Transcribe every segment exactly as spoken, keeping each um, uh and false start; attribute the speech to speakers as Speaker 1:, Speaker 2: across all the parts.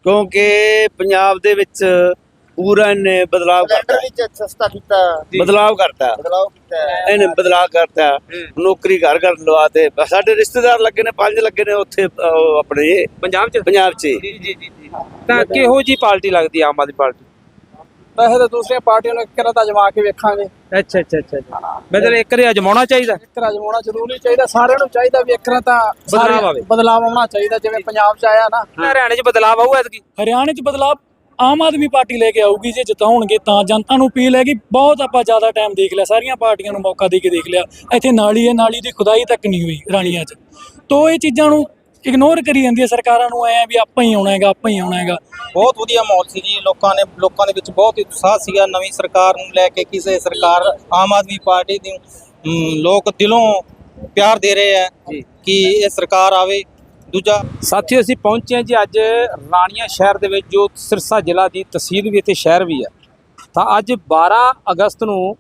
Speaker 1: क्योंकि पंजाब दे विच पूरा इन्हें बदलाव करता है,
Speaker 2: सस्ता किया,
Speaker 1: बदलाव करता है,
Speaker 2: बदलाव किया,
Speaker 1: इन्हें बदलाव करता है। नौकरी घर घर लवाते, साडे रिश्तेदार लगे ने, पांच लगे ने उत्थे अपने
Speaker 3: पंजाब च
Speaker 1: पंजाब च।
Speaker 3: जी जी जी जी ਤਾਂ ਕਿਹੋ ਜੀ ਪਾਰਟੀ ਲੱਗਦੀ ਆਮ ਆਦਮੀ ਪਾਰਟੀ?
Speaker 4: ਵੈਸੇ ਤਾਂ ਦੂਸਰੀਆਂ ਪਾਰਟੀਆਂ ਨੂੰ ਇੱਕ ਵਾਰ ਤਾਂ ਅਜਮਾ ਕੇ ਵੇਖਾਂਗੇ।
Speaker 3: ਅੱਛਾ ਅੱਛਾ ਅੱਛਾ ਮਤਲਬ ਇੱਕ ਵਾਰੀ ਅਜਮਾਉਣਾ ਚਾਹੀਦਾ,
Speaker 4: ਇੱਕ ਵਾਰ ਅਜਮਾਉਣਾ ਜ਼ਰੂਰੀ ਚਾਹੀਦਾ, ਸਾਰਿਆਂ ਨੂੰ ਚਾਹੀਦਾ ਵੀ ਇੱਕ ਵਾਰ ਤਾਂ
Speaker 3: ਬਦਲਾਵ ਆਵੇ,
Speaker 4: ਬਦਲਾਵ ਆਉਣਾ ਚਾਹੀਦਾ ਜਿਵੇਂ ਪੰਜਾਬ 'ਚ ਆਇਆ ਨਾ।
Speaker 3: ਹਰਿਆਣੇ 'ਚ ਬਦਲਾਵ ਆਊ ਐਤਕੀ?
Speaker 5: ਹਰਿਆਣੇ 'ਚ ਬਦਲਾਵ ਆਮ ਆਦਮੀ ਪਾਰਟੀ ਲੈ ਕੇ ਆਊਗੀ, ਜੇ ਜਿਤਾਉਣਗੇ ਤਾਂ ਜਨਤਾ ਨੂੰ ਅਪੀਲ ਹੈ ਕਿ ਬਹੁਤ ਆਪਾਂ ਜ਼ਿਆਦਾ ਟਾਈਮ ਦੇਖ ਲਿਆ, ਸਾਰੀਆਂ ਪਾਰਟੀਆਂ ਨੂੰ ਮੌਕਾ ਦੇ ਕੇ ਦੇਖ ਲਿਆ, ਇੱਥੇ ਨਾਲੀ ਹੈ, ਨਾਲੀ ਦੀ ਖੁਦਾਈ ਤੱਕ ਨਹੀਂ ਹੋਈ ਰਾਣੀਆਂ 'ਚ, ਤੋ ਇਹ ਚੀਜ਼ਾਂ ਨੂੰ ਇਗਨੋਰ ਕਰੀ ਜਾਂਦੀ ਹੈ ਸਰਕਾਰਾਂ ਨੂੰ, ਐ ਵੀ ਆਪਾਂ ਹੀ ਆਉਣਾ ਹੈਗਾ, ਆਪਾਂ ਹੀ ਆਉਣਾ ਹੈਗਾ।
Speaker 6: ਬਹੁਤ ਵਧੀਆ ਮਾਹੌਲ ਸੀ ਜੀ, ਲੋਕਾਂ ਨੇ ਲੋਕਾਂ ਦੇ ਵਿੱਚ ਬਹੁਤ ਹੀ ਉਤਸ਼ਾਹ ਸੀਗਾ ਨਵੀਂ ਸਰਕਾਰ ਨੂੰ ਲੈ ਕੇ। ਕਿਸੇ ਸਰਕਾਰ ਆਮ ਆਦਮੀ ਪਾਰਟੀ ਦੀ ਲੋਕ ਦਿਲੋਂ ਪਿਆਰ ਦੇ ਰਹੇ ਹੈ ਕਿ ਇਹ ਸਰਕਾਰ ਆਵੇ। ਦੂਜਾ
Speaker 3: ਸਾਥੀਓ ਅਸੀਂ ਪਹੁੰਚੇ ਹਾਂ ਜੀ ਅੱਜ ਰਾਣੀਆਂ ਸ਼ਹਿਰ ਦੇ ਵਿੱਚ, ਜੋ ਸਿਰਸਾ ਜ਼ਿਲ੍ਹਾ ਦੀ ਤਹਿਸੀਲ ਵੀ ਅਤੇ ਸ਼ਹਿਰ ਵੀ ਹੈ। ਤਾਂ ਅੱਜ ਬਾਰਾਂ ਅਗਸਤ ਨੂੰ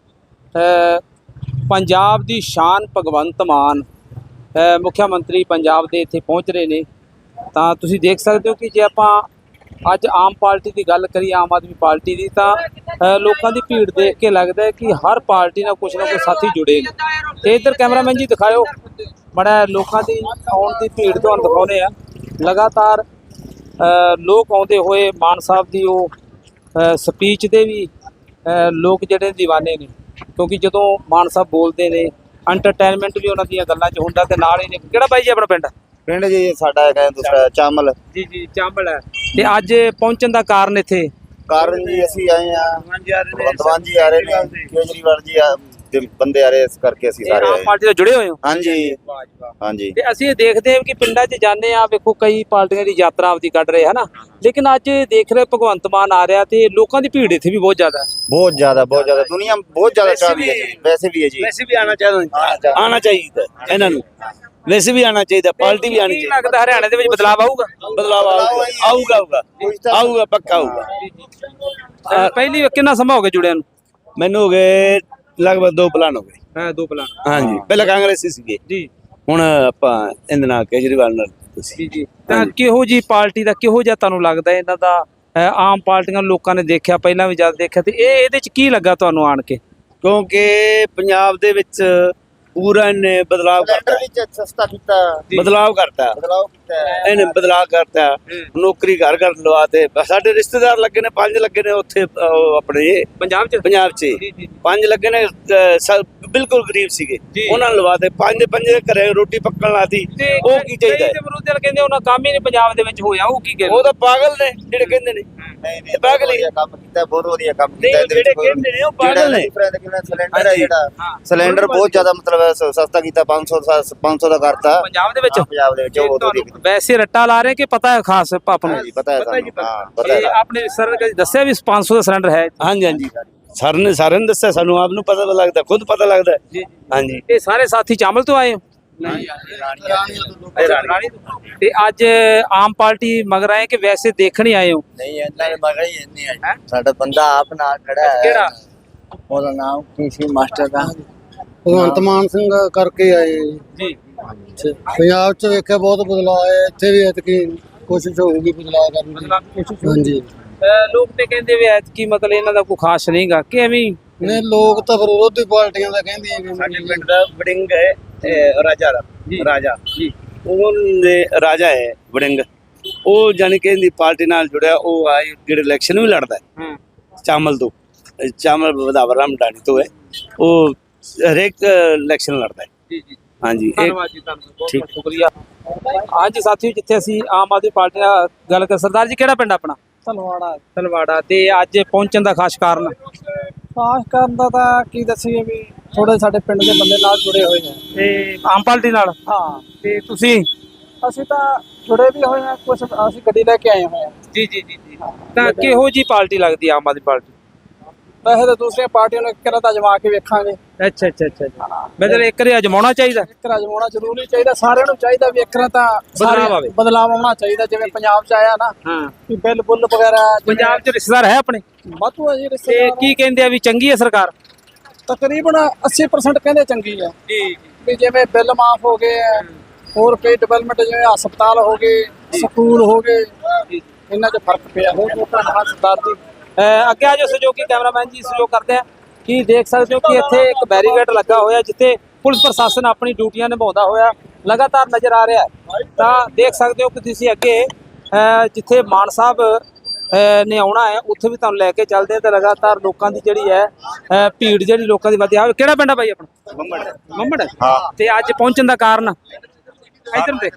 Speaker 3: ਪੰਜਾਬ ਦੀ ਸ਼ਾਨ ਭਗਵੰਤ ਮਾਨ ਮੁੱਖ ਮੰਤਰੀ ਪੰਜਾਬ ਦੇ ਇੱਥੇ ਪਹੁੰਚ ਰਹੇ ਨੇ। ਤਾਂ ਤੁਸੀਂ ਦੇਖ ਸਕਦੇ ਹੋ ਕਿ ਜੇ ਆਪਾਂ ਅੱਜ ਆਮ ਪਾਰਟੀ ਦੀ ਗੱਲ ਕਰੀਏ, ਆਮ ਆਦਮੀ ਪਾਰਟੀ ਦੀ, ਤਾਂ ਲੋਕਾਂ ਦੀ ਭੀੜ ਦੇਖ ਕੇ ਲੱਗਦਾ ਹੈ ਕਿ ਹਰ ਪਾਰਟੀ ਨਾਲ ਕੁਛ ਨਾ ਕੁਛ ਸਾਥੀ ਜੁੜੇ ਨੇ। ਤੇ ਇੱਧਰ ਕੈਮਰਾਮੈਨ ਜੀ ਦਿਖਾਇਓ ਬੜਾ ਲੋਕਾਂ ਦੀ ਆਉਣ ਦੀ ਭੀੜ ਤੁਹਾਨੂੰ ਦਿਖਾਉਂਦੇ ਆ। ਲਗਾਤਾਰ ਲੋਕ ਆਉਂਦੇ ਹੋਏ ਮਾਨ ਸਾਹਿਬ ਦੀ ਉਹ ਸਪੀਚ ਦੇ ਵੀ ਲੋਕ ਜਿਹੜੇ ਦੀਵਾਨੇ ਨੇ, ਕਿਉਂਕਿ ਜਦੋਂ ਮਾਨ ਸਾਹਿਬ ਬੋਲਦੇ ਨੇ ਐਂਟਰਟੇਨਮੈਂਟ ਵੀ ਉਹਨਾਂ ਦੀਆਂ ਗੱਲਾਂ 'ਚ ਹੁੰਦਾ। ਤੇ ਨਾਲ ਹੀ ਨੇ ਕਿਹੜਾ ਬਾਈ ਜੀ ਆਪਣਾ ਪਿੰਡ?
Speaker 2: ਪਿੰਡ ਜੀ ਸਾਡਾ ਹੈਗਾ ਦੂਸਰਾ ਚਾਮਲ
Speaker 3: ਜੀ ਜੀ ਚਾਂਬਲ ਹੈ। ਤੇ ਅੱਜ ਪਹੁੰਚਣ ਦਾ ਕਾਰਨ ਇੱਥੇ
Speaker 2: ਕਾਰਨ ਜੀ ਅਸੀਂ ਆਏ ਆ, ਭਗਵੰਤ ਮਾਨ ਜੀ ਆ ਰਹੇ ਨੇ, ਕੇਜਰੀਵਾਲ ਜੀ ਆ ਦੇ ਬੰਦੇ ਆ ਰਹੇ, ਇਸ ਕਰਕੇ ਅਸੀਂ ਸਾਰੇ
Speaker 3: ਆਮ
Speaker 2: ਆਏ।
Speaker 3: ਪਾਰਟੀ ਨਾਲ ਜੁੜੇ ਹੋਏ ਹੋ?
Speaker 2: ਹਾਂਜੀ ਹਾਂਜੀ।
Speaker 3: ਤੇ ਅਸੀਂ ਇਹ ਦੇਖਦੇ ਹਾਂ ਕਿ ਪਿੰਡਾਂ 'ਚ ਜਾਂਦੇ ਆ, ਵੇਖੋ ਕਈ ਪਾਰਟੀਆਂ ਦੀ ਯਾਤਰਾ ਆਪਦੀ ਕੱਢ ਰਹੇ ਹੈ ਨਾ, ਲੇਕਿਨ ਅੱਜ ਦੇਖ ਰਹੇ ਭਗਵੰਤ ਮਾਨ ਆ ਰਿਹਾ ਤੇ ਲੋਕਾਂ ਦੀ ਭੀੜ ਇੱਥੇ ਵੀ ਬਹੁਤ ਜ਼ਿਆਦਾ ਹੈ।
Speaker 2: ਬਹੁਤ ਜ਼ਿਆਦਾ ਬਹੁਤ ਜ਼ਿਆਦਾ ਦੁਨੀਆ ਬਹੁਤ ਜ਼ਿਆਦਾ ਚਾਹ ਰਹੀ ਹੈ ਜੀ। ਵੈਸੇ ਵੀ ਹੈ ਜੀ,
Speaker 1: वैसे भी आना चाहिए, आना चाहिए इन्हां नूं, वैसे भी आना चाहिए, पार्टी भी आनी
Speaker 3: ਕੀ
Speaker 1: चाहिए।
Speaker 3: ਲੱਗਦਾ ਹਰਿਆਣੇ ਦੇ ਵਿੱਚ ਬਦਲਾਵ ਆਊਗਾ?
Speaker 1: बदलाव आऊगा आऊगा आऊगा आऊगा पक्का आऊगा।
Speaker 3: ਅਹ ਪਹਿਲੀ ਕਿੰਨਾ ਸਮਾਂ ਹੋ ਗਿਆ ਜੁੜਿਆਂ ਨੂੰ?
Speaker 1: मैनू हो गए लगभग दो प्लान हो गए।
Speaker 3: ਹਾਂ ਦੋ ਪਲਾਨ।
Speaker 1: हाँ जी, पहले कांग्रेसी सीगे,
Speaker 3: ਜੀ
Speaker 1: हुण आपां इहदे नाल केजरीवाल नाल तुसीं।
Speaker 3: ਜੀ ਜੀ ਤਾਂ ਕਿਹੋ ਜੀ ਪਾਰਟੀ ਦਾ ਕਿਹੋ ਜਿਹਾ ਤੁਹਾਨੂੰ ਲੱਗਦਾ ਇਹਨਾਂ ਦਾ? ਅਹ ਆਮ ਪਾਰਟੀਆਂ ਲੋਕਾਂ ਨੇ ਦੇਖਿਆ, ਪਹਿਲਾਂ ਵੀ ਜਦ ਦੇਖਿਆ, ਤੇ ਇਹ ਇਹਦੇ 'ਚ ਕੀ ਲੱਗਾ ਤੁਹਾਨੂੰ ਆਣ ਕੇ?
Speaker 1: क्योंकि पंजाब दे विच पूरा इन्हें बदलाव करता है,
Speaker 2: सस्ता किया,
Speaker 1: बदलाव करता है,
Speaker 2: बदलाव किया,
Speaker 1: इन्हें बदलाव करता है। नौकरी घर घर लवाते, साडे रिश्तेदार लगे ने, पांच लगे ने उत्थे अपने
Speaker 3: ਪੰਜਾਬ 'ਚ
Speaker 1: पंजाब च
Speaker 3: ਜੀ ਜੀ
Speaker 1: पांच लगे ने, बिल्कुल गरीब सीगे,
Speaker 3: जी।
Speaker 1: उन्होंने लवाते, पांच दे पंजे घरे रोटी पक्कण लाती।
Speaker 3: ਤੇ
Speaker 1: ਉਹ ਕੀ ਚਾਹੀਦਾ
Speaker 3: ਕਈ
Speaker 1: ਹੈ?
Speaker 3: ਤੇ ਵਿਰੋਧੀ ਕਹਿੰਦੇ ਉਹਨਾਂ ਕੰਮ ਹੀ ਨਹੀਂ ਪੰਜਾਬ ਦੇ ਵਿੱਚ ਹੋਇਆ, ਉਹ ਕੀ ਕਹਿੰਦੇ?
Speaker 1: ਉਹ ਤਾਂ ਪਾਗਲ ਨੇ ਜਿਹੜੇ ਕਹਿੰਦੇ ਨੇ,
Speaker 2: ਨਹੀਂ ਨਹੀਂ
Speaker 1: ਪਾਗਲ ਹੀ।
Speaker 2: ਵਧੀਆ ਕੰਮ ਕੀਤਾ, ਬਹੁਤ ਵਧੀਆ ਕੰਮ
Speaker 1: ਨਹੀਂ,
Speaker 2: ਕੀਤਾ। ਇਹਦੇ ਵਿੱਚ
Speaker 1: ਜਿਹੜੇ
Speaker 2: ਕੋਈ-
Speaker 1: ਕਹਿੰਦੇ ਨੇ ਉਹ ਪਾਗਲ ਨੇ।
Speaker 2: ਸਿਲੰਡਰ ਹੈ ਜਿਹੜਾ,
Speaker 3: ਹਾਂ।
Speaker 2: ਸਿਲੰਡਰ ਬਹੁਤ ਜ਼ਿਆਦਾ ਮਤਲਬ ਹੈ ਸ- ਸਸਤਾ ਕੀਤਾ, ਪੰਜ ਸੌ ਦਾ- ਪੰਜ ਸੌ ਦਾ ਕਰਤਾ
Speaker 3: ਪੰਜਾਬ ਦੇ ਵਿੱਚ
Speaker 2: ਹਾਂ, ਪੰਜਾਬ ਦੇ ਵਿੱਚ ਉਹ ਬਹੁਤ ਵਧੀਆ ਕੀਤਾ।
Speaker 3: ਵੈਸੇ ਰੱਟਾ ਲਾ ਰਹੇ ਕਿ ਪਤਾ ਹੈ ਖਾਸ ਆਪ ਨੂੰ?
Speaker 2: ਜੀ ਪਤਾ ਹੈ
Speaker 1: ਪਤਾ ਜੀ,
Speaker 2: ਸਾਨੂੰ,
Speaker 1: ਪਤਾ।
Speaker 2: ਹਾਂ ਪਤਾ ਹੈ
Speaker 3: ਇਹ ਆਪਣੇ ਸਰ ਨੇ ਦੱਸਿਆ ਵੀ ਪੰਜ ਸੌ ਦਾ ਸਿਲੰਡਰ ਹੈ।
Speaker 1: ਹਾਂਜੀ ਹਾਂਜੀ, ਸਰ ਨੇ ਸਾਰਿਆਂ ਨੂੰ ਦੱਸਿਆ, ਸਾਨੂੰ ਆਪ ਨੂੰ ਪਤਾ ਲੱਗਦਾ, ਖੁਦ ਪਤਾ ਲੱਗਦਾ।
Speaker 3: ਜੀ
Speaker 1: ਹਾਂਜੀ,
Speaker 3: ਇਹ ਸਾਰੇ ਸਾਥੀ ਚਾਮਲ ਤੋਂ ਆਏ ਹੋ? ਰਾਣੀ ਤੋਂ। ਤੇ ਅੱਜ ਆਮ ਪਾਰਟੀ ਮਗਰ ਆਏ ਕਿ ਵੈਸੇ ਦੇਖਣ ਹੀ ਆਏ ਹੋ?
Speaker 2: ਨਹੀਂ ਇਹਨਾਂ ਦੇ ਮਗਰ ਹੀ ਇੰਨੀ ਹੈ। ਸਾਡਾ ਬੰਦਾ ਆਪ ਨਾਲ ਖੜਾ ਹੈ।
Speaker 3: ਕਿਹੜਾ?
Speaker 2: ਉਹਦਾ ਨਾਮ ਕੀ ਸੀ ਮਾਸਟਰ ਦਾ?
Speaker 4: ਭਗਵੰਤ ਮਾਨ ਸਿੰਘ ਕਰਕੇ ਆਏ
Speaker 3: ਜੀ
Speaker 4: ਪੰਜਾਬ 'ਚ ਵੇਖਿਆ ਬਹੁਤ ਬਦਲਾਅ ਆਇਆ, ਇੱਥੇ ਵੀ ਐਤਕੀ ਕੋਸ਼ਿਸ਼ ਹੋਊਗੀ ਬਦਲਾਅ ਕਰਨ ਦੀ।
Speaker 3: ਮਤਲਬ ਕੋਸ਼ਿਸ਼
Speaker 4: ਹਾਂਜੀ,
Speaker 3: ਅਹ ਲੋਕ ਤੇ ਕਹਿੰਦੇ ਵੀ ਐਤਕੀ ਮਤਲਬ ਇਹਨਾਂ ਦਾ ਕੋਈ ਖਾਸ ਨਹੀਂਗਾ ਕਿ ਐਵੇਂ ਹੀ?
Speaker 4: ਨੇ ਲੋਕ ਤਾਂ ਫਿਰ ਵਿਰੋਧੀ ਪਾਰਟੀਆਂ ਦਾ ਕਹਿੰਦੇ ਆ
Speaker 1: ਸਾਡੇ ਪਿੰਡ ਦਾ ਵੜਿੰਗ ਹੈ, ਇਹ ਰਾਜਾ ਦਾ ਰਾਜਾ
Speaker 3: ਜੀ
Speaker 1: ਉਹਦੇ ਰਾਜਾ ਹੈ ਵੜਿੰਗ, ਉਹ ਜਾਣੀ ਕਿ ਇਹਦੀ ਪਾਰਟੀ ਨਾਲ ਜੁੜਿਆ। ਉਹ ਆਏ ਜਿਹੜੇ ਇਲੈਕਸ਼ਨ ਵੀ ਲੜਦਾ ਹੈ
Speaker 3: ਹਾਂ
Speaker 1: ਚਾਮਲ ਤੋਂ, ਚਾਮਲ ਵਧਾਵਰ ਰਾਮ ਢਾਣੀ ਤੋਂ ਹੈ, ਉਹ ਹਰੇਕ ਇਲੈਕਸ਼ਨ ਲੜਦਾ ਹੈ।
Speaker 3: ਜੀ ਜੀ
Speaker 1: ਹਾਂਜੀ, ਇਹ
Speaker 3: ਧੰਨਵਾਦ ਜੀ, ਤੁਹਾਨੂੰ ਬਹੁਤ
Speaker 1: ਠੀਕ।
Speaker 3: ਬਹੁਤ ਸ਼ੁਕਰੀਆ। ਹਾਂਜੀ ਸਾਥੀਓ, ਜਿੱਥੇ ਅਸੀਂ ਆਮ ਆਦਮੀ ਪਾਰਟੀ ਨਾਲ ਗੱਲ ਕਰ, ਸਰਦਾਰ ਜੀ ਕਿਹੜਾ ਪਿੰਡ ਆਪਣਾ?
Speaker 4: ਤਲਵਾੜਾ
Speaker 3: ਤਲਵਾੜਾ। ਤੇ ਅੱਜ ਪਹੁੰਚਣ ਦਾ ਖਾਸ ਕਾਰਨ?
Speaker 4: ਪਾਸ ਕਰਨ ਦਾ ਤਾਂ ਕੀ ਦੱਸੀਏ ਵੀ ਥੋੜੇ ਸਾਡੇ ਪਿੰਡ ਦੇ ਬੰਦੇ ਨਾਲ ਜੁੜੇ ਹੋਏ ਨੇ।
Speaker 3: ਤੇ ਆਮ ਪਾਰਟੀ ਨਾਲ?
Speaker 4: ਹਾਂ,
Speaker 3: ਤੇ ਤੁਸੀਂ?
Speaker 4: ਅਸੀਂ ਤਾਂ ਜੁੜੇ ਵੀ ਹੋਏ ਆ, ਕੁਝ ਅਸੀਂ ਗੱਡੀ ਲੈ ਕੇ ਆਏ ਹੋਏ ਆ।
Speaker 3: ਜੀ ਜੀ ਜੀ ਜੀ ਤਾਂ ਕਿਹੋ ਜੀ ਪਾਰਟੀ ਲੱਗਦੀ ਆਮ ਆਦਮੀ ਪਾਰਟੀ?
Speaker 4: ਵੈਸੇ ਤਾਂ ਦੂਸਰੀਆਂ ਪਾਰਟੀਆਂ ਨੂੰ ਇੱਕ ਵਾਰ ਤਾਂ ਅਜਮਾ ਕੇ ਵੇਖਾਂਗੇ।
Speaker 3: ਅੱਛਾ ਅੱਛਾ ਅੱਛਾ ਮਤਲਬ ਇੱਕ ਵਾਰੀ ਅਜਮਾਉਣਾ ਚਾਹੀਦਾ,
Speaker 4: ਇੱਕ ਵਾਰ ਅਜਮਾਉਣਾ ਜ਼ਰੂਰੀ ਚਾਹੀਦਾ, ਸਾਰਿਆਂ ਨੂੰ ਚਾਹੀਦਾ ਵੀ ਇੱਕ ਵਾਰ ਤਾਂ
Speaker 3: ਬਦਲਾਵ ਆਵੇ,
Speaker 4: ਬਦਲਾਵ ਆਉਣਾ ਚਾਹੀਦਾ ਜਿਵੇਂ ਪੰਜਾਬ 'ਚ ਆਇਆ ਨਾ,
Speaker 3: ਹਾਂ।
Speaker 4: ਵੀ ਬਿੱਲ ਬੁੱਲ ਵਗੈਰਾ।
Speaker 3: ਪੰਜਾਬ 'ਚ ਰਿਸ਼ਤੇਦਾਰ ਹੈ ਆਪਣੇ?
Speaker 4: ਵਾਧੂ ਆ ਜੀ
Speaker 3: ਤੇ
Speaker 4: ਰਿਸ਼ਤੇਦਾਰ।
Speaker 3: ਕੀ ਕਹਿੰਦੇ ਆ ਵੀ ਚੰਗੀ ਹੈ ਸਰਕਾਰ?
Speaker 4: ਤਕਰੀਬਨ ਅੱਸੀ ਪਰਸੈਂਟ ਕਹਿੰਦੇ ਚੰਗੀ ਆ,
Speaker 3: ਜੀ
Speaker 4: ਵੀ ਜਿਵੇਂ ਬਿੱਲ ਮਾਫ ਹੋ ਗਏ ਆ, ਹੋਰ ਕਈ ਡਿਵੈਲਪਮੈਂਟ ਜਿਵੇਂ ਹਸਪਤਾਲ ਹੋ ਗਏ, ਸਕੂਲ ਹੋ ਗਏ,
Speaker 3: ਇਹਨਾਂ 'ਚ ਫਰਕ ਪਿਆ ਬਹੁਤ ਬਹੁਤ ਧੰਨਵਾਦ ਸਰਦਾਰ ਜੀ। ਅਹ ਅੱਗੇ ਆ ਜਾਓ ਸਹਿਯੋਗੀ ਕੈਮਰਾਮੈਨ ਜੀ, ਸਹਿਯੋਗ ਕਰਦੇ ਆ ਕਿ ਦੇਖ ਸਕਦੇ ਹੋ ਕਿ ਇੱਥੇ ਇੱਕ ਬੈਰੀਗੇਡ ਲੱਗਾ ਹੋਇਆ ਜਿੱਥੇ ਪੁਲਿਸ ਪ੍ਰਸ਼ਾਸਨ ਆਪਣੀ ਡਿਊਟੀਆਂ ਨਿਭਾਉਂਦਾ ਹੋਇਆ ਲਗਾਤਾਰ ਨਜ਼ਰ ਆ ਰਿਹਾ ਹੈ। ਤਾਂ ਦੇਖ ਸਕਦੇ ਹੋ ਕਿ ਤੁਸੀਂ ਅੱਗੇ ਅਹ ਜਿੱਥੇ ਮਾਨ ਸਾਹਿਬ ਅਹ ਨੇ ਆਉਣਾ ਹੈ ਉੱਥੇ ਵੀ ਤੁਹਾਨੂੰ ਲੈ ਕੇ ਚੱਲਦੇ ਆ ਤੇ ਲਗਾਤਾਰ ਲੋਕਾਂ ਦੀ ਜਿਹੜੀ ਹੈ ਅਹ ਭੀੜ ਜਿਹੜੀ ਲੋਕਾਂ ਦੀ ਵਧਿਆ। ਕਿਹੜਾ ਪਿੰਡ ਆ ਬਾਈ ਆਪਣਾ?
Speaker 2: ਮੰਮੜ
Speaker 3: ਮੰਮੜ।
Speaker 2: ਹਾਂ।
Speaker 3: ਤੇ ਅੱਜ ਪਹੁੰਚਣ ਦਾ ਕਾਰਨ ਇਧਰ ਦੇ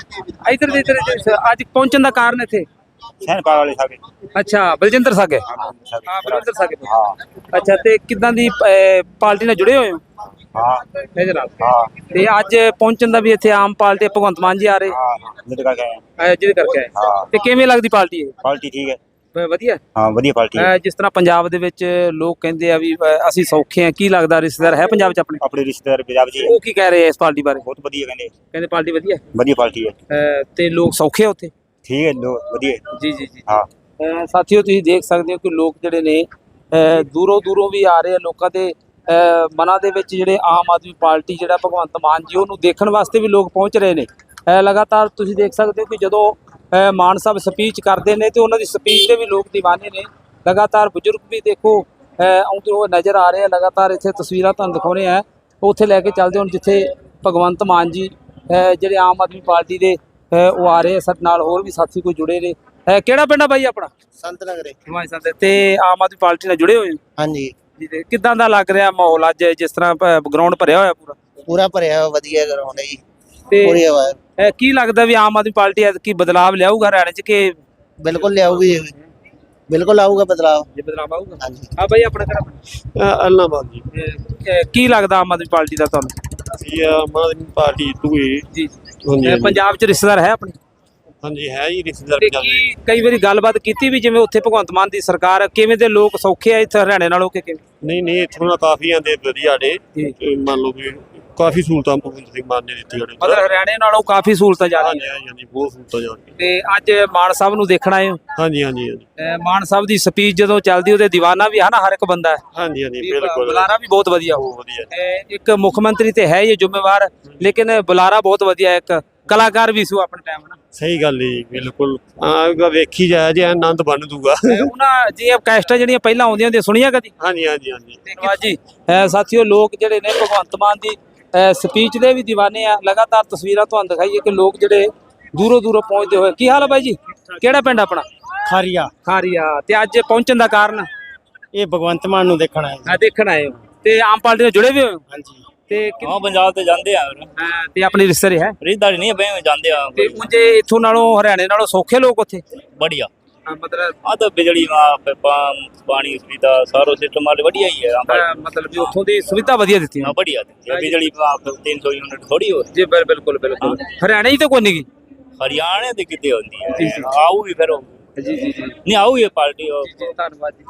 Speaker 3: ਇਧਰ ਦੇ ਇੱਧਰ ਅੱਜ ਪਹੁੰਚਣ ਦਾ ਕਾਰਨ ਇੱਥੇ
Speaker 2: ਸੈਨ ਪਾ ਵਾਲੇ ਸਾਗੇ।
Speaker 3: ਅੱਛਾ ਬਲਜਿੰਦਰ ਸਾਗੇ। ਹਾਂ ਬਲਜਿੰਦਰ ਸਾਗੇ।
Speaker 2: ਹਾਂ।
Speaker 3: ਅੱਛਾ ਤੇ ਕਿੱਦਾਂ ਦੀ ਅਹ, ਪਾਰਟੀ ਨਾਲ ਜੁੜੇ ਹੋਏ ਹੋ?
Speaker 2: ਹਾਂ।
Speaker 3: ਇਹਦੇ ਨਾਲ।
Speaker 2: ਹਾਂ।
Speaker 3: ਤੇ ਅੱਜ ਪਹੁੰਚਣ ਦਾ ਵੀ ਇੱਥੇ ਆਮ ਪਾਰਟੀ ਭਗਵੰਤ ਮਾਨ ਜੀ ਆ ਰਹੇ
Speaker 2: ਹਾਂ ਜਿਹਦੇ ਕਰਕੇ ਆਏ ਹਾਂ।
Speaker 3: ਅਹ, ਜਿਹਦੇ ਕਰਕੇ ਆਏ।
Speaker 2: ਹਾਂ।
Speaker 3: ਤੇ ਕਿਵੇਂ ਲੱਗਦੀ ਪਾਰਟੀ ਇਹ?
Speaker 2: ਪਾਰਟੀ ਠੀਕ ਹੈ।
Speaker 3: ਅਹ, ਵਧੀਆ।
Speaker 2: ਹਾਂ ਵਧੀਆ ਪਾਰਟੀ ਹੈ।
Speaker 3: ਅਹ, ਜਿਸ ਤਰ੍ਹਾਂ ਪੰਜਾਬ ਦੇ ਵਿੱਚ ਲੋਕ ਕਹਿੰਦੇ ਆ ਵੀ ਅਹ, ਅਸੀਂ ਸੌਖੇ ਆ, ਕੀ ਲੱਗਦਾ ਰਿਸ਼ਤੇਦਾਰ ਹੈ ਪੰਜਾਬ 'ਚ ਆਪਣੇ?
Speaker 2: ਆਪਣੇ ਰਿਸ਼ਤੇਦਾਰ ਪੰਜਾਬ ਜੀ
Speaker 3: ਉਹ ਕੀ ਕਹਿ ਰਹੇ ਆ ਇਸ ਪਾਰਟੀ ਬਾਰੇ?
Speaker 2: ਬਹੁਤ ਵਧੀਆ ਕਹਿੰਦੇ।
Speaker 3: ਕਹਿੰਦੇ ਪਾਰਟੀ ਵਧੀਆ
Speaker 2: ਵਧੀਆ ਪਾਰਟੀ ਹੈ।
Speaker 3: ਹੈ। ਅਹ, ਤੇ ਲੋਕ ਸੌਖੇ ਆ ਉੱਥੇ?
Speaker 2: ਠੀਕ ਹੈ ਲੋ ਵਧੀਆ।
Speaker 3: ਜੀ ਜੀ ਜੀ।
Speaker 2: ਹਾਂ।
Speaker 3: ਅਹ, ਸਾਥੀਓ ਤੁਸੀਂ ਦੇਖ ਸਕਦੇ ਹੋ ਕਿ ਲੋਕ ਜਿਹੜੇ ਨੇ ਅਹ, ਦੂਰੋਂ ਦੂਰੋਂ ਵੀ ਆ ਰਹੇ ਆ। ਲੋਕਾਂ ਦੇ ਅਹ, ਮਨਾਂ ਦੇ ਵਿੱਚ ਜਿਹੜੇ ਆਮ ਆਦਮੀ ਪਾਰਟੀ ਜਿਹੜਾ ਭਗਵੰਤ ਮਾਨ ਜੀ ਉਹਨੂੰ ਦੇਖਣ ਵਾਸਤੇ ਵੀ ਲੋਕ ਪਹੁੰਚ ਰਹੇ ਨੇ। ਅਹ, ਲਗਾਤਾਰ ਤੁਸੀਂ ਦੇਖ ਸਕਦੇ ਹੋ ਕਿ ਜਦੋਂ ਅਹ, ਮਾਨ ਸਾਹਿਬ ਸਪੀਚ ਕਰਦੇ ਨੇ ਤੇ ਉਹਨਾਂ ਦੀ ਸਪੀਚ ਦੇ ਵੀ ਲੋਕ ਦੀਵਾਨੇ ਨੇ। ਲਗਾਤਾਰ ਬਜ਼ੁਰਗ ਵੀ ਦੇਖੋ ਅਹ, ਆਉਂਦੇ ਹੋਏ ਨਜ਼ਰ ਆ ਰਹੇ ਆ। ਲਗਾਤਾਰ ਇੱਥੇ ਤਸਵੀਰਾਂ ਤੁਹਾਨੂੰ ਦਿਖਾਉਣੇ ਆ, ਉੱਥੇ ਲੈ ਕੇ ਚੱਲਦੇ ਹੁਣ ਜਿੱਥੇ ਭਗਵੰਤ ਮਾਨ ਜੀ ਅਹ, ਜਿਹੜੇ ਆਮ ਆਦਮੀ ਪਾਰਟੀ ਦੇ ਅਹ, ਉਹ ਆ ਰਹੇ ਆ। ਸਾਡੇ ਨਾਲ ਹੋਰ ਵੀ ਸਾਥੀ ਕੋਈ ਜੁੜੇ ਨੇ। ਅਹ, ਕਿਹੜਾ ਪਿੰਡ ਆ ਬਾਈ ਆਪਣਾ?
Speaker 7: ਸੰਤ ਨਗਰੇ।
Speaker 3: ਹਿਮਾਚਲ ਸੰਦੇ। ਤੇ ਆਮ ਆਦਮੀ ਪਾਰਟੀ ਨਾਲ ਜੁੜੇ ਹੋਏ ਹੋ
Speaker 7: ਹਾਂਜੀ
Speaker 3: ਜੀ? ਤੇ ਕਿੱਦਾਂ ਦਾ ਲੱਗ ਰਿਹਾ ਮਾਹੌਲ ਅੱਜ ਜਿਸ ਤਰ੍ਹਾਂ ਗਰਾਊਂਡ ਭਰਿਆ ਹੋਇਆ ਪੂਰਾ?
Speaker 7: ਪੂਰਾ ਭਰਿਆ ਹੋਇਆ, ਵਧੀਆ ਗਰਾਊਂਡ ਹੈ ਜੀ।
Speaker 3: ਤੇ
Speaker 7: ਪੂਰੀ ਹਵਾ ਹੈ।
Speaker 3: ਅਹ, ਕੀ ਲੱਗਦਾ ਵੀ ਆਮ ਆਦਮੀ ਪਾਰਟੀ ਐਤਕੀ ਬਦਲਾਵ ਲਿਆਊਗਾ ਹਰਿਆਣੇ 'ਚ ਕਿ?
Speaker 7: ਬਿਲਕੁਲ ਲਿਆਊਗੀ ਜੀ, ਬਿਲਕੁਲ ਆਊਗਾ ਬਦਲਾਵ।
Speaker 3: ਜੇ ਬਦਲਾਵ ਆਊਗਾ।
Speaker 7: ਹਾਂਜੀ
Speaker 3: ਆ ਬਾਈ ਆਪਣਾ ਕਿਹੜਾ?
Speaker 8: ਅਲਨਾਬਾਦ ਜੀ।
Speaker 3: ਅਹ, ਕੀ ਲੱਗਦਾ ਆਮ ਆਦਮੀ ਪਾਰਟੀ ਦਾ ਤੁਹਾਨੂੰ?
Speaker 8: ਅਸੀਂ ਆਮ ਆਦਮੀ ਪਾਰਟੀ ਤੂਏ।
Speaker 3: ਜੀ
Speaker 8: ਹਾਂਜੀ
Speaker 3: ਅਹ, ਪੰਜਾਬ 'ਚ ਰਿਸ਼ਤੇਦਾਰ ਹੈ ਆਪਣੇ?
Speaker 8: ਹਾਂਜੀ ਹੈ ਜੀ ਰਿਸ਼ਤੇਦਾਰ
Speaker 3: ਤੇ
Speaker 8: ਚੱਲ ਰਹੇ।
Speaker 3: ਕੀ ਕਈ ਵਾਰੀ ਗੱਲਬਾਤ ਕੀਤੀ ਵੀ ਜਿਵੇਂ ਉੱਥੇ ਭਗਵੰਤ ਮਾਨ ਦੀ ਸਰਕਾਰ ਆ, ਕਿਵੇਂ ਦੇ ਲੋਕ ਸੌਖੇ ਆ ਇੱਥੇ ਹਰਿਆਣੇ ਨਾਲੋਂ ਕਿ ਕਿਵੇਂ?
Speaker 8: ਨਹੀਂ ਨਹੀਂ ਇੱਥੋਂ ਦਾ ਕਾਫੀ ਆਂਦੇ ਵਧੀਆ ਨੇ। ਤੇ ਮੰਨ ਲਓ ਵੀ ਕਾਫੀ ਸਹੂਲਤਾਂ ਭਗਵੰਤ ਸਿੰਘ ਮਾਨ ਨੇ ਦਿੱਤੀਆਂ ਨੇ।
Speaker 3: ਮਤਲਬ ਹਰਿਆਣੇ ਨਾਲੋਂ ਕਾਫੀ ਸਹੂਲਤਾਂ ਜਾ
Speaker 8: ਹਾਂਜੀ
Speaker 3: ਰਹੀਆਂ।
Speaker 8: ਹਾਂਜੀ ਹਾਂਜੀ ਬਹੁਤ ਸਹੂਲਤਾਂ ਜਾਣਗੇ।
Speaker 3: ਤੇ ਅੱਜ ਮਾਨ ਸਾਹਿਬ ਨੂੰ ਦੇਖਣ ਆਏ ਹੋ?
Speaker 8: ਹਾਂਜੀ ਹਾਂਜੀ ਹਾਂਜੀ
Speaker 3: ਅਹ, ਮਾਨ ਸਾਹਿਬ ਦੀ ਸਪੀਚ ਜਦੋਂ ਚੱਲਦੀ ਉਹਦੇ ਦੀਵਾਨਾ ਵੀ ਹੈ ਨਾ ਹਰ ਇੱਕ ਬੰਦਾ ਹੈ।
Speaker 8: ਹਾਂਜੀ ਹਾਂਜੀ
Speaker 3: ਵੀ
Speaker 8: ਬਿਲਕੁਲ
Speaker 3: ਬੁਲਾਰਾ ਵੀ ਬਹੁਤ ਵਧੀਆ ਹੋ।
Speaker 8: ਬਹੁਤ ਵਧੀਆ।
Speaker 3: ਅਹ, ਇੱਕ ਮੁੱਖ ਮੰਤਰੀ ਤੇ ਹੈ ਇਹ ਜ਼ਿੰਮੇਵਾਰ, ਲੇਕਿਨ ਬੁਲਾਰਾ ਬਹੁਤ ਵਧੀਆ ਹੈ, ਇੱਕ ਕਲਾਕਾਰ ਵੀ ਸੀ ਆਪਣੇ ਟਾਈਮ ਨਾ।
Speaker 8: ਸਹੀ ਗੱਲ ਹੈ ਜੀ ਬਿਲਕੁਲ। ਆ ਵੇਖੀ ਜਾਇਆ ਜੇ ਆਨੰਦ ਬਣ ਦੂਗਾ।
Speaker 3: ਅਹ, ਉਹਨਾਂ ਜੀ ਕੈਸਟਾਂ ਜਿਹੜੀਆਂ ਪਹਿਲਾਂ ਆਉਂਦੀਆਂ ਹੁੰਦੀਆਂ ਸੁਣੀਆਂ ਕਦੀ?
Speaker 8: ਹਾਂਜੀ ਹਾਂਜੀ ਹਾਂਜੀ
Speaker 3: ਧੰਨਵਾਦ ਜੀ। ਅਹ, ਸਾਥੀਓ ਲੋਕ ਜਿਹੜੇ ਨੇ ਭਗਵੰਤ ਮਾਨ ਦੀ ਸਪੀਚ ਦੇ ਵੀ دیਵਾਨੇ ਆ। ਲਗਾਤਾਰ ਤਸਵੀਰਾਂ ਤੁਹਾਨੂੰ ਦਿਖਾਈਏ ਕਿ ਲੋਕ ਜਿਹੜੇ ਦੂਰੋਂ ਦੂਰੋਂ ਪਹੁੰਚਦੇ ਹੋਏ। ਕੀ ਹਾਲ ਹੈ ਬਾਈ ਜੀ? ਕਿਹੜਾ ਪਿੰਡ ਆਪਣਾ?
Speaker 9: ਖਾਰੀਆ।
Speaker 3: ਖਾਰੀਆ। ਤੇ ਅੱਜ ਪਹੁੰਚਣ ਦਾ ਕਾਰਨ?
Speaker 9: ਇਹ ਭਗਵੰਤ ਮਾਨ ਨੂੰ ਦੇਖਣਾ ਹੈ।
Speaker 3: ਆ ਦੇਖਣ ਆਏ ਹੋ ਤੇ ਆਮ ਪਾਰਟੀ ਨਾਲ ਜੁੜੇ ਹੋਏ ਹੋ?
Speaker 9: ਹਾਂਜੀ
Speaker 3: ਤੇ ਕਿ-
Speaker 10: ਹਾਂ ਪੰਜਾਬ ਤੇ ਜਾਂਦੇ ਆ
Speaker 3: ਅਹ, ਤੇ ਆਪਣੀ ਰਿਸ਼ਤੇਦਾਰੀ ਹੈ?
Speaker 10: ਰਿਸ਼ਤੇਦਾਰੀ ਨਹੀਂ ਬਈ ਜਾਂਦੇ ਆ
Speaker 3: ਤੇ ਉਂਝੇ ਇੱਥੋਂ ਨਾਲੋਂ ਹਰਿਆਣੇ ਨਾਲੋਂ ਸੌਖੇ ਲੋਕ ਉੱਥੇ?
Speaker 10: बढ़िया
Speaker 3: ਅਹ, ਮਤਲਬ
Speaker 10: ਆ ਤਾਂ ਬਿਜਲੀ ਵਾ ਪਾਣੀ ਸੁਵਿਧਾ ਸਾਰਾ ਸਿਸਟਮ ਵਾਲੇ ਵਧੀਆ ਹੀ ਹੈ
Speaker 3: ਅਹ, ਮਤਲਬ ਵੀ ਉੱਥੋਂ ਦੀ ਸੁਵਿਧਾ ਵਧੀਆ ਦਿੱਤੀ
Speaker 10: ਹਾਂ बढ़िया बिजली तीन सौ यूनिट थोड़ी हो
Speaker 3: ਜੀ ਬਿਲ- ਬਿਲਕੁਲ ਬਿਲकुल। ਹਰਿਆਣੇ 'ਚ ਤਾਂ ਕੋਈ ਨਹੀਂ ਗੀ।
Speaker 10: हरियाणा ਦੀ ਕਿਤੇ ਹੁੰਦੀ
Speaker 3: ਜੀ,
Speaker 10: ਹੈ
Speaker 3: ਜੀ।
Speaker 10: ਆਊਗੀ ਫਿਰ ਉਹ।
Speaker 3: ਜੀ ਜੀ ਜੀ
Speaker 10: ਨਹੀਂ ਆਊਗੀ ਪਾਰਟੀ ਉਹ
Speaker 3: ਜੀ, ਧੰਨਵਾਦ ਜੀ।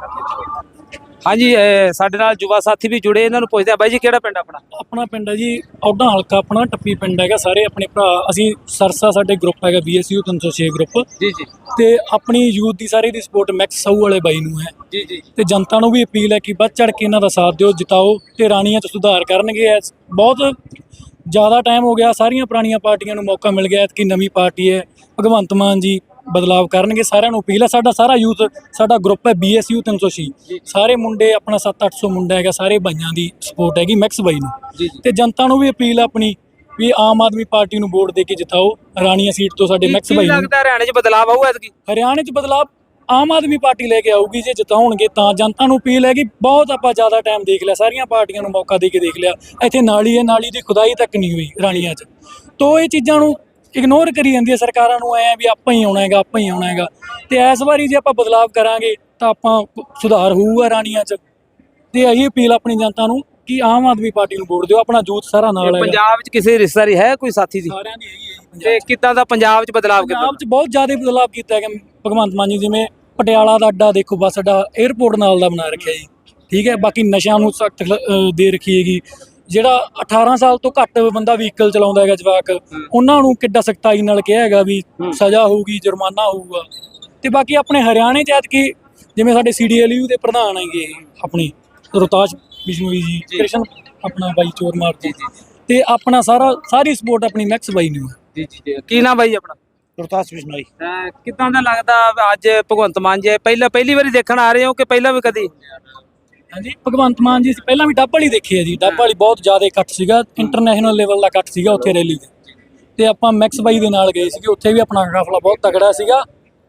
Speaker 3: ਹਾਂਜੀ ਅਹ, ਸਾਡੇ ਨਾਲ ਯੁਵਾ ਸਾਥੀ ਵੀ ਜੁੜੇ, ਇਹਨਾਂ ਨੂੰ ਪੁੱਛਦੇ ਆ ਬਾਈ ਜੀ ਕਿਹੜਾ ਪਿੰਡ ਆਪਣਾ?
Speaker 5: ਆਪਣਾ ਪਿੰਡ ਹੈ ਜੀ ਔਡਾ ਹਲਕਾ, ਆਪਣਾ ਟੱਪੀ ਪਿੰਡ ਹੈਗਾ। ਸਾਰੇ ਆਪਣੇ ਭਰਾ ਅਸੀਂ ਸਰਸਾ, ਸਾਡੇ ਗਰੁੱਪ ਹੈਗਾ ਬੀਐਸਯੂ ਤਿੰਨ ਸੌ ਛੇ ਗਰੁੱਪ।
Speaker 3: ਜੀ ਜੀ
Speaker 5: ਤੇ ਆਪਣੀ ਯੂਥ ਦੀ ਸਾਰੀ ਦੀ ਸਪੋਰਟ ਮੈਕਸ ਸਾਊ ਵਾਲੇ ਬਾਈ ਨੂੰ ਹੈ।
Speaker 3: ਜੀ ਜੀ
Speaker 5: ਤੇ ਜਨਤਾ ਨੂੰ ਵੀ ਅਪੀਲ ਹੈ ਕਿ ਵੱਧ ਚੜ ਕੇ ਇਹਨਾਂ ਦਾ ਸਾਥ ਦਿਓ, ਜਿਤਾਓ ਤੇ ਰਾਣੀਆਂ 'ਚ ਸੁਧਾਰ ਕਰਨਗੇ। ਐਸ- ਬਹੁਤ ਜ਼ਿਆਦਾ ਟਾਈਮ ਹੋ ਗਿਆ, ਸਾਰੀਆਂ ਪੁਰਾਣੀਆਂ ਪਾਰਟੀਆਂ ਨੂੰ ਮੌਕਾ ਮਿਲ ਗਿਆ, ਕਿ ਨਵੀਂ ਪਾਰਟੀ ਹੈ ਭਗਵੰਤ ਮਾਨ ਜੀ ਬਦਲਾਵ ਕਰਨਗੇ। ਸਾਰਿਆਂ ਨੂੰ ਅਪੀਲ ਹੈ। ਸਾਡਾ ਸਾਰਾ ਯੂਥ, ਸਾਡਾ ਗਰੁੱਪ ਹੈ ਬੀਐਸਯੂ ਤਿੰਨ ਸੌ ਛੇ, ਸਾਰੇ ਮੁੰਡੇ ਆਪਣਾ ਸੱਤ ਅੱਠ ਸੌ ਮੁੰਡਾ ਹੈਗਾ, ਸਾਰੇ ਬਾਈਆਂ ਦੀ ਸਪੋਰਟ ਹੈਗੀ ਮੈਕਸ ਬਾਈ ਨੂੰ।
Speaker 3: ਜੀ
Speaker 5: ਤੇ ਜਨਤਾ ਨੂੰ ਵੀ ਅਪੀਲ ਹੈ ਆਪਣੀ ਵੀ ਆਮ ਆਦਮੀ ਪਾਰਟੀ ਨੂੰ ਵੋਟ ਦੇ ਕੇ ਜਿਤਾਓ ਰਾਣੀਆਂ ਸੀਟ ਤੋਂ ਸਾਡੇ ਮੈਕਸ
Speaker 3: ਕੀ
Speaker 5: ਬਾਈ ਨੂੰ।
Speaker 3: ਲੱਗਦਾ ਹਰਿਆਣੇ 'ਚ ਬਦਲਾਵ ਆਊ ਐਤਕੀ?
Speaker 5: ਹਰਿਆਣੇ 'ਚ ਬਦਲਾਅ ਆਮ ਆਦਮੀ ਪਾਰਟੀ ਲੈ ਕੇ ਆਊਗੀ ਜੇ ਜਿਤਾਉਣਗੇ ਤਾਂ। ਜਨਤਾ ਨੂੰ ਅਪੀਲ ਹੈ ਕਿ ਬਹੁਤ ਆਪਾਂ ਜ਼ਿਆਦਾ ਟਾਈਮ ਦੇਖ ਲਿਆ, ਸਾਰੀਆਂ ਪਾਰਟੀਆਂ ਨੂੰ ਮੌਕਾ ਦੇ ਕੇ ਦੇਖ ਲਿਆ। ਇੱਥੇ ਨਾਲੀ ਹੈ, ਨਾਲੀ ਦੀ ਖੁਦਾਈ ਤੱਕ ਨਹੀਂ ਹੋਈ ਰਾਣੀਆਂ 'ਚ। ਤੋ ਇਹ ਚੀਜ਼ਾਂ ਨੂੰ ਇਗਨੋਰ ਕਰੀ ਜਾਂਦੀ ਹੈ ਸਰਕਾਰਾਂ ਨੂੰ, ਐ ਵੀ ਆਪਾਂ ਹੀ ਆਉਣਾ ਹੈਗਾ, ਆਪਾਂ ਹੀ ਆਉਣਾ ਹੈਗਾ। ਤੇ ਇਸ ਵਾਰੀ ਜੇ ਆਪਾਂ ਬਦਲਾਵ ਕਰਾਂਗੇ ਤਾਂ ਆਪਾਂ ਸੁਧਾਰ ਹੋਊਗਾ ਰਾਣੀਆਂ 'ਚ। ਤੇ ਇਹੀ ਅਪੀਲ ਆਪਣੀ ਜਨਤਾ ਨੂੰ ਕਿ ਆਮ ਆਦਮੀ ਪਾਰਟੀ ਨੂੰ ਵੋਟ ਦਿਓ। ਆਪਣਾ ਯੂਥ ਸਾਰਾ ਨਾਲ ਹੈਗਾ।
Speaker 3: ਪੰਜਾਬ 'ਚ ਕਿਸੇ ਰਿਸ਼ਤੇਦਾਰੀ ਹੈ ਕੋਈ ਸਾਥੀ ਦੀ?
Speaker 5: ਸਾਰਿਆਂ ਦੀ ਹੈਗੀ ਹੈ ਜੀ ਪੰਜਾਬ 'ਚ।
Speaker 3: ਤੇ ਕਿੱਦਾਂ ਦਾ ਪੰਜਾਬ 'ਚ ਬਦਲਾਵ ਕੀਤਾ?
Speaker 5: ਪੰਜਾਬ 'ਚ ਬਹੁਤ ਜ਼ਿਆਦਾ ਬਦਲਾਅ ਕੀਤਾ ਹੈਗਾ ਭਗਵੰਤ ਮਾਨ ਜੀ। ਜਿਵੇਂ ਪਟਿਆਲਾ ਦਾ ਅੱਡਾ ਦੇਖੋ, ਬੱਸ ਅੱਡਾ 에ਅਰਪੋਰਟ ਨਾਲ ਦਾ ਬਣਾ ਰੱਖਿਆ ਜੀ, ਠੀਕ ਹੈ। ਬਾਕੀ ਨਸ਼ਿਆਂ ਨੂੰ ਸਖਤ ਦੇ ਰੱਖੀ ਹੈਗੀ। ਜਿਹੜਾ ਅਠਾਰਾਂ ਸਾਲ ਤੋਂ ਘੱਟ ਬੰਦਾ ਵਹੀਕਲ ਚਲਾਉਂਦਾ ਹੈਗਾ ਜਵਾਕ, ਉਹਨਾਂ ਨੂੰ ਕਿੱਡਾ ਸਖਤਾਈ ਨਾਲ ਕਿਹਾ ਹੈਗਾ ਵੀ ਸਜ਼ਾ ਹੋਊਗੀ, ਜੁਰਮਾਨਾ ਹੋਊਗਾ। ਤੇ ਬਾਕੀ ਆਪਣੇ ਹਰਿਆਣੇ 'ਚ ਐਤਕੀ ਜਿਵੇਂ ਸਾਡੇ ਸੀਡੀਐਲਯੂ ਦੇ ਪ੍ਰਧਾਨ ਹੈਗੇ ਆਪਣੀ ਰੋਹਤਾਸ਼ ਬਿਸ਼ਨੋਈ ਜੀ, ਕ੍ਰਿਸ਼ਨ ਆਪਣਾ ਬਾਈ ਚੋਰਮਾਰ ਜੀ, ਤੇ ਆਪਣਾ ਸਾਰਾ ਸਾਰੀ ਸਪੋਰਟ ਆਪਣੀ ਮੈਕਸ ਬਾਈ ਨੂੰ ਹੈ।
Speaker 3: ਜੀ ਜੀ ਕੀ ਨਾਮ ਬਾਈ ਆਪਣਾ?
Speaker 5: ਗੁਰਦਾਸ ਬਿਸ਼ਨੋਈ।
Speaker 3: ਅਹ ਕਿੱਦਾਂ ਦਾ ਲੱਗਦਾ ਅੱਜ ਭਗਵੰਤ ਮਾਨ ਜੀ ਪਹਿਲਾਂ ਪਹਿਲੀ ਵਾਰੀ ਦੇਖਣ ਆ ਰਹੇ ਹੋ ਕਿ ਪਹਿਲਾਂ ਵੀ ਕਦੀ?
Speaker 5: ਹਾਂਜੀ, ਭਗਵੰਤ ਮਾਨ ਜੀ ਪਹਿਲਾਂ ਵੀ ਡੱਬ ਵਾਲੀ ਦੇਖੀ ਹੈ ਜੀ। ਡੱਬ ਵਾਲੀ ਬਹੁਤ ਜ਼ਿਆਦਾ ਇਕੱਠ ਸੀਗਾ, ਇੰਟਰਨੈਸ਼ਨਲ ਲੈਵਲ ਦਾ ਇਕੱਠ ਸੀਗਾ ਉੱਥੇ ਰੈਲੀ ਤੇ ਤੇ ਆਪਾਂ ਮੈਕਸ ਬਾਈ ਦੇ ਨਾਲ ਗਏ ਸੀਗੇ, ਉੱਥੇ ਵੀ ਆਪਣਾ ਕਾਫਲਾ ਬਹੁਤ ਤਕੜਾ ਸੀਗਾ।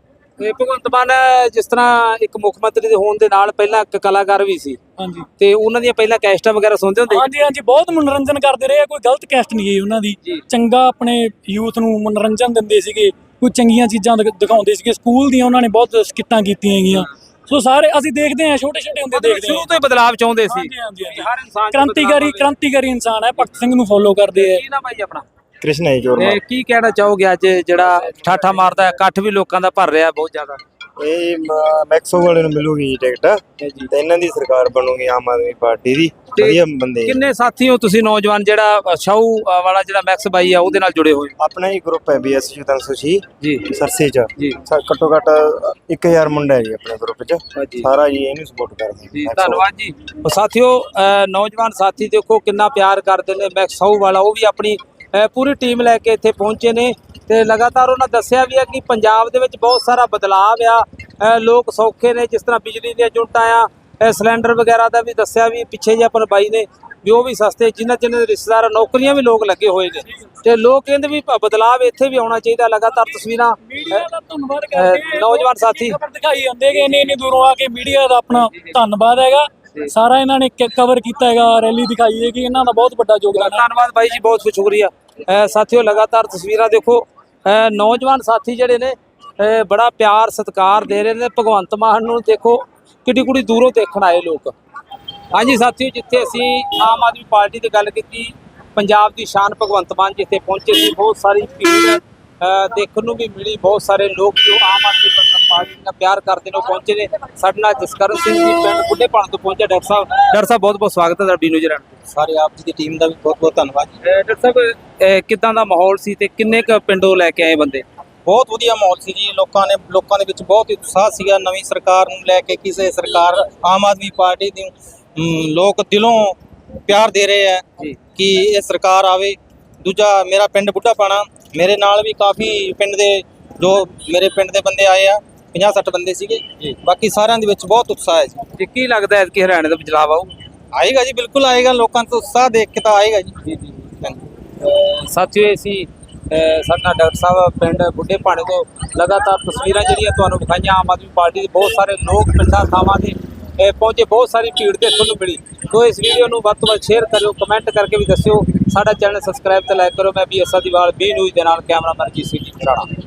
Speaker 3: ਤੇ ਭਗਵੰਤ ਮਾਨ ਜਿਸ ਤਰ੍ਹਾਂ ਇੱਕ ਮੁੱਖ ਮੰਤਰੀ ਦੇ ਹੋਣ ਦੇ ਨਾਲ ਪਹਿਲਾਂ ਇੱਕ ਕਲਾਕਾਰ ਵੀ ਸੀ,
Speaker 5: ਹਾਂਜੀ
Speaker 3: ਤੇ ਉਹਨਾਂ ਦੀਆਂ ਪਹਿਲਾਂ ਕੈਸਟਾਂ ਵਗੈਰਾ ਸੁਣਦੇ ਹੁੰਦੇ?
Speaker 5: ਹਾਂਜੀ ਹਾਂਜੀ, ਬਹੁਤ ਮਨੋਰੰਜਨ ਕਰਦੇ ਰਹੇ ਆ, ਕੋਈ ਗਲਤ ਕੈਸਟ ਨਹੀਂ ਗਈ ਉਹਨਾਂ ਦੀ। ਚੰਗਾ ਆਪਣੇ ਯੂਥ ਨੂੰ ਮਨੋਰੰਜਨ ਦਿੰਦੇ ਸੀਗੇ, ਕੋਈ ਚੰਗੀਆਂ ਚੀਜ਼ਾਂ ਦਿਖ- ਦਿਖਾਉਂਦੇ ਸੀਗੇ। ਸਕੂਲ ਦੀਆਂ ਉਹਨਾਂ ਨੇ ਬਹੁਤ ਸਕਿੱਟਾਂ ਕੀਤੀਆਂ ਹੈਗੀਆਂ। ਸੋ ਸਾਰੇ ਅਸੀਂ ਦੇਖਦੇ ਹਾਂ, ਛੋਟੇ ਛੋਟੇ ਹੁੰਦੇ ਦੇਖਦੇ
Speaker 3: ਸ਼ੁਰੂ ਤੋਂ ਹੀ ਬਦਲਾਵ ਚਾਹੁੰਦੇ ਸੀ।
Speaker 5: ਹਾਂਜੀ ਹਾਂਜੀ ਹਾਂਜੀ।
Speaker 3: ਹਰ ਇਨਸਾਨ 'ਚ
Speaker 5: ਕ੍ਰਾਂਤੀਕਾਰੀ
Speaker 3: ਬਦਲਾਵ
Speaker 5: ਕ੍ਰਾਂਤੀਕਾਰੀ ਇਨਸਾਨ ਹੈ, ਭਗਤ ਸਿੰਘ ਨੂੰ ਫੋਲੋ ਕਰਦੇ ਆ।
Speaker 3: ਕੀ ਨਾ ਭਾਈ ਆਪਣਾ
Speaker 9: ਕ੍ਰਿਸ਼ਨ ਹੈ ਜੋਰ
Speaker 3: ਇਹ ਕੀ ਕਹਿਣਾ ਚਾਹੋਗੇ ਅੱਜ ਜਿਹੜਾ ਠਾਠਾ ਮਾਰਦਾ ਹੈ, ਇਕੱਠ ਵੀ ਲੋਕਾਂ ਦਾ ਭਰ ਰਿਹਾ ਬਹੁਤ ਜ਼ਿਆਦਾ?
Speaker 9: ਇਹ ਮੈਕਸੋ ਵਾਲੇ ਨੂੰ ਮਿਲੂਗੀ ਟਿਕਟ ਤੇ ਇਹਨਾਂ ਦੀ ਸਰਕਾਰ ਬਣੂਗੀ ਆਮ ਆਦਮੀ ਪਾਰਟੀ ਦੀ।
Speaker 3: ਤੇ
Speaker 9: ਵਧੀਆ ਬੰਦੇ ਆ।
Speaker 3: ਕਿੰਨੇ ਸਾਥੀ ਹੋ ਤੁਸੀਂ ਨੌਜਵਾਨ ਜਿਹੜਾ ਸ਼ਾਹੂ ਅ, ਵਾਲਾ ਜਿਹੜਾ ਮੈਕਸ ਬਾਈ ਆ ਉਹਦੇ ਨਾਲ ਜੁੜੇ ਹੋਏ?
Speaker 9: ਆਪਣਾ ਹੀ ਗਰੁੱਪ ਹੈ ਬੀਐਸ ਤਿੰਨ ਸੌ ਛੇ
Speaker 3: ਜੀ
Speaker 9: ਸਰਸੇ ਚ
Speaker 3: ਜੀ
Speaker 9: ਸਾ- ਘੱਟੋ ਘੱਟ ਇੱਕ ਹਜ਼ਾਰ ਮੁੰਡਾ ਹੈ ਜੀ ਆਪਣੇ ਗਰੁੱਪ ਚ।
Speaker 3: ਜੀ
Speaker 9: ਸਾਰਾ ਜੀ ਇਹਨੂੰ ਸਪੋਰਟ ਕਰਦੇ
Speaker 3: ਜੀ
Speaker 9: ਆ।
Speaker 3: ਧੰਨਵਾਦ ਜੀ। ਉਹ ਸਾਥੀਓ ਅ, ਨੌਜਵਾਨ ਸਾਥੀ ਦੇਖੋ ਕਿੰਨਾ ਪਿਆਰ ਕਰਦੇ ਨੇ ਮੈਕਸ ਸ਼ਾਹੂ ਵਾਲਾ, ਉਹ ਵੀ ਆਪਣੀ ਅ, ਪੂਰੀ ਟੀਮ ਲੈ ਕੇ ਇੱਥੇ ਪਹੁੰਚੇ ਨੇ ਤੇ ਲਗਾਤਾਰ ਉਹਨਾਂ ਦੱਸਿਆ ਵੀ ਹੈ ਕਿ ਪੰਜਾਬ ਦੇ ਵਿੱਚ ਬਹੁਤ ਸਾਰਾ ਬਦਲਾਅ ਆ। ਅ, ਲੋਕ ਸੌਖੇ ਨੇ, ਜਿਸ ਤਰ੍ਹਾਂ ਬਿਜਲੀ ਦੀਆਂ ਯੂਨਿਟਾਂ ਆ, ਅ, ਸਿਲੰਡਰ ਵਗੈਰਾ ਦਾ ਵੀ ਦੱਸਿਆ ਵੀ ਪਿੱਛੇ ਜੇ ਆਪਾਂ ਬਾਈ ਨੇ ਵੀ ਉਹ ਵੀ ਸਸਤੇ, ਜਿਨ੍ਹਾਂ ਜਿਨ੍ਹਾਂ ਦੇ ਰਿਸ਼ਤੇਦਾਰ ਨੌਕਰੀਆਂ ਵੀ ਲੋਕ ਲੱਗੇ ਹੋਏ ਨੇ ਤੇ ਲੋਕ ਕਹਿੰਦੇ ਵੀ ਭ- ਬਦਲਾਅ ਇੱਥੇ ਵੀ ਆਉਣਾ ਚਾਹੀਦਾ। ਲਗਾਤਾਰ ਤਸਵੀਰਾਂ
Speaker 5: ਮੀਡੀਆ ਦਾ ਧੰਨਵਾਦ
Speaker 3: ਅ,
Speaker 5: ਕਰਦੇ
Speaker 3: ਨੌਜਵਾਨ ਸਾਥੀ
Speaker 5: ਖਬਰ ਦਿਖਾਈ ਜਾਂਦੇ ਕਿ ਇੰਨੇ ਇੰਨੇ ਦੂਰੋਂ ਆ ਕੇ ਮੀਡੀਆ ਦਾ ਆਪਣਾ ਧੰਨਵਾਦ ਹੈਗਾ। ਸਾਰਾ ਇਹਨਾਂ ਨੇ ਕਵਰ ਕੀਤਾ ਹੈਗਾ, ਰੈਲੀ ਦਿਖਾਈ ਹੈ ਕਿ ਇਹਨਾਂ ਦਾ ਬਹੁਤ ਵੱਡਾ ਯੋਗਦਾਨ ਹੈ।
Speaker 3: ਧੰਨਵਾਦ ਬਾਈ ਜੀ, ਬਹੁਤ ਬਹੁਤ ਸ਼ੁਕਰੀਆ। ਅ, ਸਾਥੀਓ ਲਗਾਤਾਰ ਤਸਵੀਰਾਂ ਦੇਖੋ, ਅ, ਨੌਜਵਾਨ ਸਾਥੀ ਜਿਹੜੇ ਨੇ ਅ, ਬੜਾ ਪਿਆਰ ਸਤਿਕਾਰ ਦੇ ਰਹੇ ਨੇ ਭਗਵੰਤ ਮਾਨ ਨੂੰ। ਦੇਖੋ ਕਿੱਡੀ ਕੁੜੀ ਦੂਰੋਂ ਦੇਖਣ ਆਏ ਲੋਕ। ਹਾਂਜੀ ਸਾਥੀਓ, ਜਿੱਥੇ ਅਸੀਂ ਆਮ ਆਦਮੀ ਪਾਰਟੀ ਦੀ ਗੱਲ ਕੀਤੀ, ਪੰਜਾਬ ਦੀ ਸ਼ਾਨ ਭਗਵੰਤ ਮਾਨ ਜਿੱਥੇ ਪਹੁੰਚੇ ਸੀ, ਬਹੁਤ ਸਾਰੀ ਭੀੜ ਅ, ਦੇਖਣ ਨੂੰ ਵੀ ਮਿਲੀ। ਬਹੁਤ ਸਾਰੇ ਲੋਕ ਜੋ ਆਮ ਆਦਮੀ ਪਾਰਟੀ ਨਾਲ ਪਿਆਰ ਕਰਦੇ ਨੇ ਉਹ ਪਹੁੰਚੇ ਨੇ। ਸਾਡੇ ਨਾਲ ਜਸਕਰਨ ਸਿੰਘ ਜੀ ਪਿੰਡ ਬੁੱਢੇ ਪਾਣ ਤੋਂ ਪਹੁੰਚੇ। ਡਾਕਟਰ ਸਾਹਿਬ ਡਾਕਟਰ ਸਾਹਿਬ ਬਹੁਤ ਬਹੁਤ ਸਵਾਗਤ ਹੈ ਤੁਹਾਡਾ ਬੀ ਨਿਊਜ਼ ਚੈਨਲ ਤੇ।
Speaker 6: ਸਾਰੇ ਆਪ ਜੀ ਦੀ ਟੀਮ ਦਾ ਵੀ ਬਹੁਤ ਬਹੁਤ ਧੰਨਵਾਦ ਜੀ।
Speaker 3: ਡਾਕਟਰ ਸਾਹਿਬ ਅਹ ਕਿੱਦਾਂ ਦਾ ਮਾਹੌਲ ਸੀ ਤੇ ਕਿੰਨੇ ਕ ਪਿੰਡੋਂ ਲੈ ਕੇ ਆਏ ਬੰਦੇ?
Speaker 6: ਬਹੁਤ ਵਧੀਆ ਮਾਹੌਲ ਸੀ ਜੀ। ਲੋਕਾਂ ਨੇ ਲੋਕਾਂ ਦੇ ਵਿੱਚ ਬਹੁਤ ਹੀ ਉਤਸ਼ਾਹ ਸੀਗਾ ਨਵੀਂ ਸਰਕਾਰ ਨੂੰ ਲੈ ਕੇ। ਕਿਸੇ ਸਰਕਾਰ ਆਮ ਆਦਮੀ ਪਾਰਟੀ ਦੀ ਅਮ, ਲੋਕ ਦਿਲੋਂ ਪਿਆਰ ਦੇ ਰਹੇ ਹੈ ਕਿ ਇਹ ਸਰਕਾਰ ਆਵੇ। ਦੂਜਾ ਮੇਰਾ ਪਿੰਡ ਬੁੱਢਾ ਪਾਣਾ, ਮੇਰੇ ਨਾਲ ਵੀ ਕਾਫੀ ਪਿੰਡ ਦੇ ਜੋ ਮੇਰੇ ਪਿੰਡ ਦੇ ਬੰਦੇ ਆਏ ਆ, ਪੰਜਾਹ ਸੱਠ ਬੰਦੇ ਸੀਗੇ। ਬਾਕੀ ਸਾਰਿਆਂ ਦੇ ਵਿੱਚ ਬਹੁਤ ਉਤਸ਼ਾਹ ਹੈ ਜੀ।
Speaker 3: ਤੇ ਕੀ ਲੱਗਦਾ ਹੈ ਕਿ ਹਰਿਆਣੇ ਦਾ ਬਦਲਾਅ ਆਊ?
Speaker 6: ਆਏਗਾ ਜੀ, ਬਿਲਕੁਲ ਆਏਗਾ। ਲੋਕਾਂ ਤੋਂ ਉਤਸ਼ਾਹ ਦੇਖ ਕੇ ਤਾਂ ਆਏਗਾ ਜੀ। ਜੀ ਜੀ
Speaker 3: ਸਾਥੀਓ ਅਸੀਂ ਸਾਡਾ ਡਾਕਟਰ ਸਾਹਿਬ ਪਿੰਡ ਬੁੱਢੇ ਪਾਣੇ ਤੋਂ ਲਗਾਤਾਰ ਤਸਵੀਰਾਂ ਜਿਹੜੀਆਂ ਤੁਹਾਨੂੰ ਵਿਖਾਈਆਂ ਆਮ ਆਦਮੀ ਪਾਰਟੀ ਦੇ। ਬਹੁਤ ਸਾਰੇ ਲੋਕ ਪਿੰਡਾਂ ਥਾਵਾਂ ਤੇ ਅਹ ਪਹੁੰਚੇ, ਬਹੁਤ ਸਾਰੀ ਭੀੜ ਦੇਖਣ ਨੂੰ ਮਿਲੀ। ਸੋ ਇਸ ਵੀਡੀਓ ਨੂੰ ਵੱਧ ਤੋਂ ਵੱਧ ਸ਼ੇਅਰ ਕਰਿਓ, ਕਮੈਂਟ ਕਰਕੇ ਵੀ ਦੱਸਿਓ। ਸਾਡਾ ਚੈਨਲ ਸਬਸਕ੍ਰਾਈਬ ਤੇ ਲਾਈਕ ਕਰੋ। ਮੈਂ B S Adiwal B news ਦੇ ਨਾਲ ਕੈਮਰਾਮੈਨ ਜੀ ਸੀ ਜੀ ਰਾਣਾ।